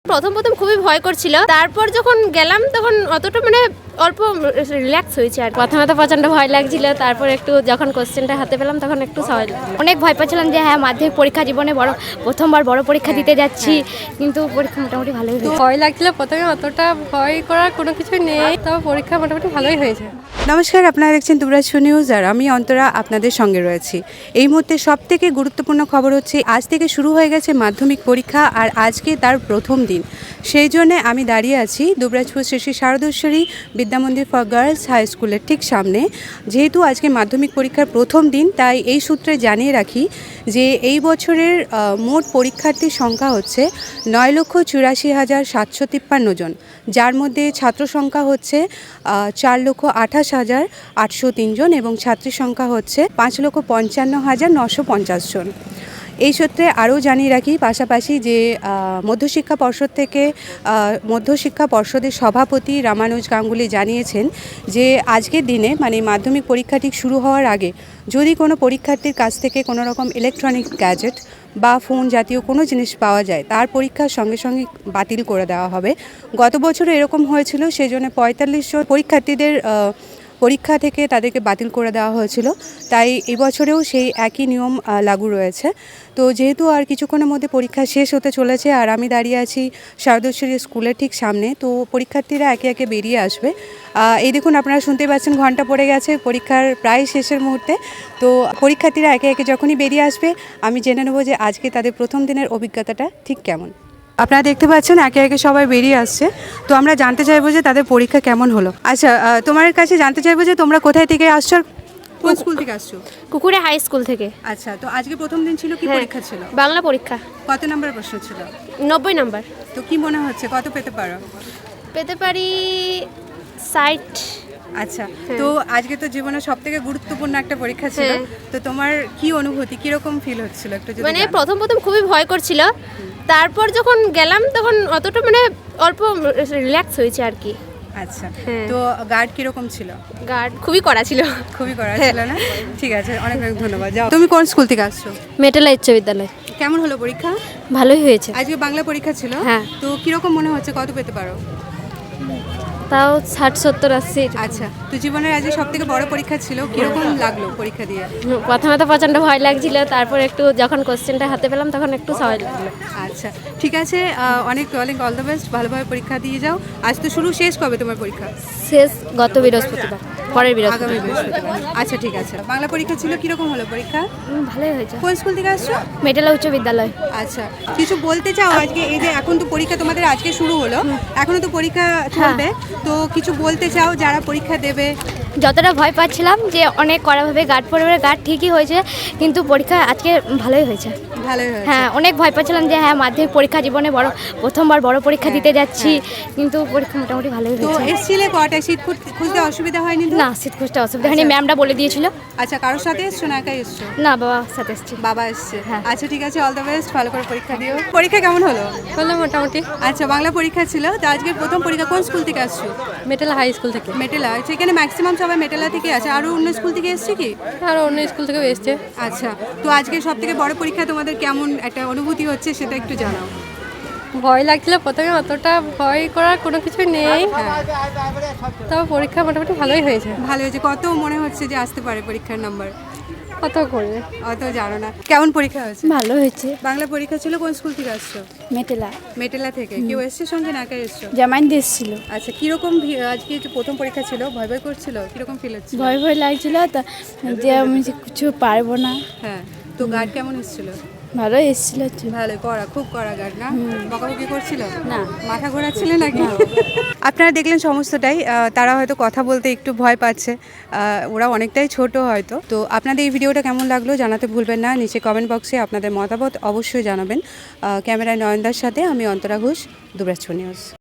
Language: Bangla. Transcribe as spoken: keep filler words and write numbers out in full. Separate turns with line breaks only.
প্রথম প্রথম খুবই ভয় করছিল, তারপর যখন গেলাম তখন অতটা মানে অল্প রিল্যাক্স হয়েছে। আর প্রথমে তো প্রচন্ড ভয় লাগছিল, তারপর একটু যখন কোশ্চেনটা হাতে পেলাম তখন একটু সহজ লাগলো। অনেক ভয় পাচ্ছিলাম যে হ্যাঁ মাধ্যমিক পরীক্ষা জীবনে বড় প্রথমবার বড় পরীক্ষা দিতে যাচ্ছি, কিন্তু পরীক্ষা মোটামুটি ভালোই হয়েছে।
ভয় লাগছিল প্রথমে, অতটা ভয় করার কোনো কিছু নেই, তবে পরীক্ষা মোটামুটি ভালোই হয়েছে।
নমস্কার, আপনারা দেখছেন দুবরাজ নিউজ আর আমি অন্তরা আপনাদের সঙ্গে রয়েছি। এই মুহূর্তে সব থেকে গুরুত্বপূর্ণ খবর হচ্ছে আজ থেকে শুরু হয়ে গেছে মাধ্যমিক পরীক্ষা আর আজকে তার প্রথম দিন। সেই জন্য আমি দাঁড়িয়ে আছি Dubrajpur Shri Shri Shardeshwari Vidyamandir for girls high স্কুলের ঠিক সামনে। যেহেতু আজকে মাধ্যমিক পরীক্ষার প্রথম দিন, তাই এই সূত্রে জানিয়ে রাখি যে এই বছরের মোট পরীক্ষার্থীর সংখ্যা হচ্ছে নয় লক্ষ চুরাশি হাজার সাতশো তিপ্পান্ন জন, যার মধ্যে ছাত্র সংখ্যা হচ্ছে চার লক্ষ আঠাশ হাজার আটশো তিনজন এবং ছাত্রীর সংখ্যা হচ্ছে পাঁচ লক্ষ পঞ্চান্ন হাজার নশো পঞ্চাশ জন। এই সূত্রে আরও জানিয়ে রাখি পাশাপাশি যে মধ্যশিক্ষা পর্ষদ থেকে মধ্যশিক্ষা পর্ষদের সভাপতি রামানুজ গাঙ্গুলি জানিয়েছেন যে আজকের দিনে মানে মাধ্যমিক পরীক্ষাটি শুরু হওয়ার আগে যদি কোনো পরীক্ষার্থীর কাছ থেকে কোনো রকম ইলেকট্রনিক গ্যাজেট বা ফোন জাতীয় কোনো জিনিস পাওয়া যায় তার পরীক্ষার সঙ্গে সঙ্গে বাতিল করে দেওয়া হবে। গত বছরও এরকম হয়েছিল, সেই জন্য পঁয়তাল্লিশ জন পরীক্ষার্থীদের পরীক্ষা থেকে তাদেরকে বাতিল করে দেওয়া হয়েছিল, তাই এবছরেও সেই একই নিয়ম লাগু রয়েছে। তো যেহেতু আর কিছুক্ষণের মধ্যে পরীক্ষা শেষ হতে চলেছে আর আমি দাঁড়িয়ে আছি শারদেশ্বরী স্কুলের ঠিক সামনে, তো পরীক্ষার্থীরা একে একে বেরিয়ে আসবে। এই দেখুন, আপনারা শুনতে পাচ্ছেন ঘন্টা পড়ে গেছে, পরীক্ষার প্রায় শেষের মুহূর্তে। তো পরীক্ষার্থীরা একে একে যখনই বেরিয়ে আসবে আমি জেনে নেব যে আজকে তাদের প্রথম দিনের অভিজ্ঞতাটা ঠিক কেমন। আপনারা দেখতে পাচ্ছেন একে একে সবাই বেরিয়ে আসছে, তো আমরা জানতে চাইবো যে তাদের পরীক্ষা কেমন হলো। আচ্ছা, তোমার কাছে জানতে চাইবো যে তোমরা কোথায় থেকে আসছো, কোন স্কুল থেকে আসছো?
কুকুরে হাই স্কুল থেকে।
আচ্ছা, তো আজকে প্রথম দিন ছিল, কি পরীক্ষা ছিল?
বাংলা পরীক্ষা।
কত নম্বর প্রশ্ন ছিল?
নব্বই নম্বর।
তো কি মনে হচ্ছে কত পেতে পারো?
পেতে পারি ষাট।
আচ্ছা, তো আজকে তো জীবনের সব থেকে গুরুত্বপূর্ণ একটা পরীক্ষা ছিল, তো তোমার কি অনুভূতি, কিরকম ফিল হচ্ছিল একটু যদি?
মানে প্রথম প্রথম খুবই ভয় করছিল, তারপর যখন গেলাম তখন অতটা মানে অল্প রিল্যাক্স হয়েছে আর কি।
আচ্ছা, তো গার্ড কিরকম ছিল?
গার্ড খুবই কড়া ছিল।
খুবই কড়া ছিল না? ঠিক আছে, অনেক অনেক ধন্যবাদ। যাও, তুমি কোন স্কুল থেকে আসছো?
মেটেলা উচ্চ বিদ্যালয়।
কেমন হলো পরীক্ষা?
ভালোই হয়েছে।
আজকে বাংলা পরীক্ষা ছিল,
হ্যাঁ।
তো কিরকম মনে হচ্ছে কত পেতে পারো?
তাও ষাট সত্তর আশি।
আচ্ছা, তো জীবনের আজকে সব থেকে বড় পরীক্ষা ছিল, কিরকম লাগলো পরীক্ষা দিয়ে?
প্রথমে তো প্রচন্ড ভয় লাগছিল, তারপর একটু যখন কোশ্চেনটা হাতে পেলাম তখন একটু সহজ লাগলো।
আচ্ছা, ঠিক আছে, অনেক অনেক অল দ্য বেস্ট, ভালোভাবে পরীক্ষা দিয়ে যাও। আজ তো শুরু, শেষ কবে তোমার পরীক্ষা?
শেষ গত বৃহস্পতিবার, পরের বৃহস্পতিবার।
আগামী বৃহস্পতিবার। আচ্ছা, ঠিক আছে। বাংলা পরীক্ষা ছিল, কিরকম হলো পরীক্ষা?
ভালোই হয়েছে।
কোন স্কুল থেকে আসছো?
মেটেলা উচ্চ বিদ্যালয়।
আচ্ছা, কিছু বলতে চাও আজকে? এই যে এখন তো পরীক্ষা তোমাদের আজকে শুরু হলো, এখনো তো পরীক্ষা চলবে, তো কিছু বলতে চাও যারা পরীক্ষা দেবে?
যতটা ভয় পাচ্ছিলাম যে অনেক কড়াভাবে গার্ড পরিবারের গার্ড ঠিকই হয়েছে, কিন্তু পরীক্ষা আজকে ভালোই হয়েছে।
ভালোই হয়েছে।
হ্যাঁ, অনেক ভয় পাচ্ছিলাম যে হ্যাঁ মাধ্যমিক পরীক্ষা জীবনে বড় প্রথমবার বড় পরীক্ষা দিতে যাচ্ছি, কিন্তু পরীক্ষা মোটামুটি ভালোই
তো
হয়েছে।
এসছিলে কটায়? সিট খুঁজতে অসুবিধা হয়নি তো?
না, সিট খুঁজতে অসুবিধা হয়নি, ম্যামটা বলে দিয়েছিল।
আচ্ছা, কারোর সাথে এসছো না একাই এসছো?
না, বাবা সাথে এসছি।
বাবা এসছে।
হ্যাঁ।
আচ্ছা, ঠিক আছে, অল দ্য বেস্ট, ভালো করে পরীক্ষা দিও। পরীক্ষা কেমন হলো?
হলো মোটামুটি।
আচ্ছা, বাংলা পরীক্ষা ছিল, তো আজকে প্রথম পরীক্ষা। কোন স্কুল থেকে আসছো?
মেটেলা হাই স্কুল থেকে।
মেটেলা, সেখানে ম্যাক্সিমাম সবাই মেটেলা থেকে আছে, আরও অন্য স্কুল থেকে এসছে কি?
আরও অন্য স্কুল থেকেও এসছে।
আচ্ছা, তো আজকে সব থেকে বড় পরীক্ষা, তোমাদের কেমন একটা অনুভূতি হচ্ছে সেটা একটু জানাও।
ভয় লাগছিল প্রথমে, অতটা ভয় করার কোনো কিছু নেই, তবে পরীক্ষা মোটামুটি ভালোই হয়েছে।
ভালো হয়েছে। কত মনে হচ্ছে যে আসতে পারে পরীক্ষার নাম্বার?
কত করে
অত জানো না। কেমন পরীক্ষা হয়েছে?
ভালো হয়েছে।
বাংলা পরীক্ষা ছিল, কোন স্কুল থেকে আসছো?
মেটেলা।
মেটেলা থেকে। কেউ এসছে সঙ্গে না একাই এসছো?
জামাইন দেশ ছিল।
আচ্ছা, কিরকম আজকে যে প্রথম পরীক্ষা ছিল, ভয় ভয় করছিল, কিরকম ফিল হচ্ছে?
ভয় ভয় লাগছিল যে আমি কিছু পারবো না।
হ্যাঁ, তো গার্ড কেমন এসেছিল?
ভালো এসেছিল।
ভালো, কড়া, খুব কড়া গার্ড না? বকাবকি করছিল
না?
মাথা ঘোরাচ্ছিলে নাকি? আপনারা দেখলেন সমস্তটাই। তারা হয়তো কথা বলতে একটু ভয় পাচ্ছে, ওরা অনেকটাই ছোট হয়তো। তো আপনাদের এই ভিডিওটা কেমন লাগলো জানাতে ভুলবেন না, নিচে কমেন্ট বক্সে আপনাদের মতামত অবশ্যই জানাবেন। ক্যামেরায় নয়নদার সাথে আমি অন্তরা ঘোষ, দুবরাজ নিউজ।